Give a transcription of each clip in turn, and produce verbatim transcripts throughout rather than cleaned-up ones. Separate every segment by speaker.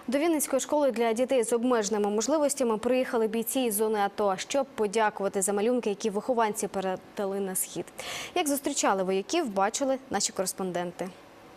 Speaker 1: До Вінницької школи для дітей з обмеженими можливостями приїхали бійці із зони АТО, щоб подякувати за малюнки, які вихованці передали на схід. Як зустрічали вояків, бачили наші кореспонденти.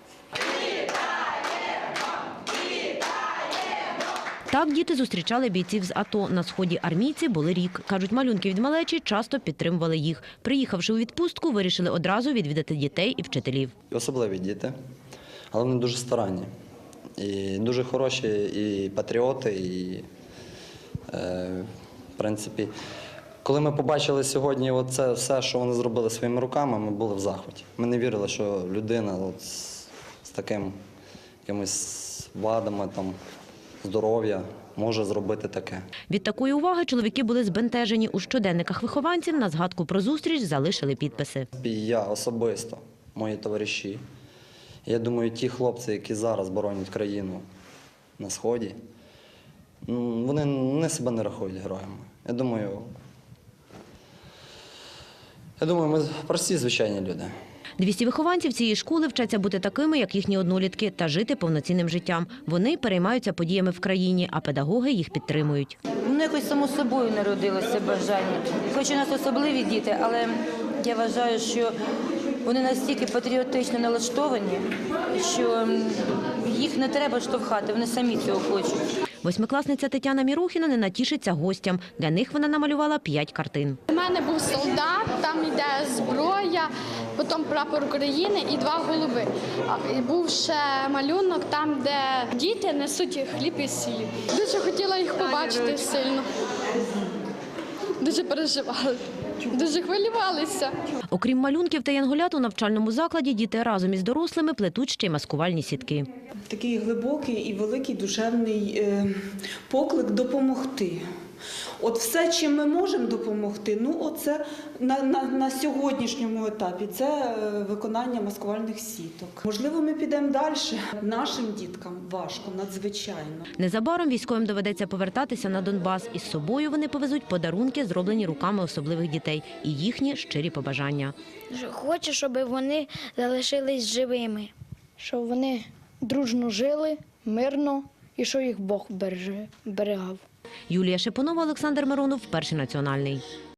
Speaker 2: Так діти зустрічали бійців з АТО. На сході армійці були рік. Кажуть, малюнки від малечі часто підтримували їх. Приїхавши у відпустку, вирішили одразу відвідати дітей і вчителів.
Speaker 3: Особливі діти, але вони дуже старанні. І дуже хороші і патріоти, і, е, в принципі, коли ми побачили сьогодні оце все, що вони зробили своїми руками, ми були в захваті. Ми не вірили, що людина от, з, з таким якимись вадами, там, здоров'я може зробити таке.
Speaker 2: Від такої уваги чоловіки були збентежені. У щоденниках вихованців на згадку про зустріч залишили підписи.
Speaker 3: І я особисто, мої товариші, я думаю, ті хлопці, які зараз боронять країну на Сході, вони не себе не рахують героями. Я думаю, я думаю, ми прості, звичайні люди.
Speaker 2: двісті вихованців цієї школи вчаться бути такими, як їхні однолітки, та жити повноцінним життям. Вони переймаються подіями в країні, а педагоги їх підтримують.
Speaker 4: Ну, якось само собою народилося бажання. Хоч у нас особливі діти, але я вважаю, що вони настільки патріотично налаштовані, що їх не треба штовхати, вони самі цього хочуть.
Speaker 2: Восьмикласниця Тетяна Мірохіна не натішиться гостям. Для них вона намалювала п'ять картин.
Speaker 5: У мене був солдат, там йде зброя, потім прапор України і два голуби. І був ще малюнок там, де діти несуть хліб і сіль. Дуже хотіла їх побачити сильно. Дуже переживали, дуже хвилювалися.
Speaker 2: Окрім малюнків та янголят, у навчальному закладі діти разом із дорослими плетуть ще й маскувальні сітки.
Speaker 6: Такий глибокий і великий душевний е, поклик допомогти. От все, чим ми можемо допомогти, ну оце на, на, на сьогоднішньому етапі це е, виконання маскувальних сіток. Можливо, ми підемо далі. Нашим діткам важко, надзвичайно.
Speaker 2: Незабаром військовим доведеться повертатися на Донбас. Із собою вони повезуть подарунки, зроблені руками особливих дітей, і їхні щирі побажання.
Speaker 7: Хочу, щоб вони залишились живими, щоб вони дружно жили, мирно і щоб їх Бог береже, берегав.
Speaker 2: Юлія Шипонова, Олександр Миронов, Перший національний.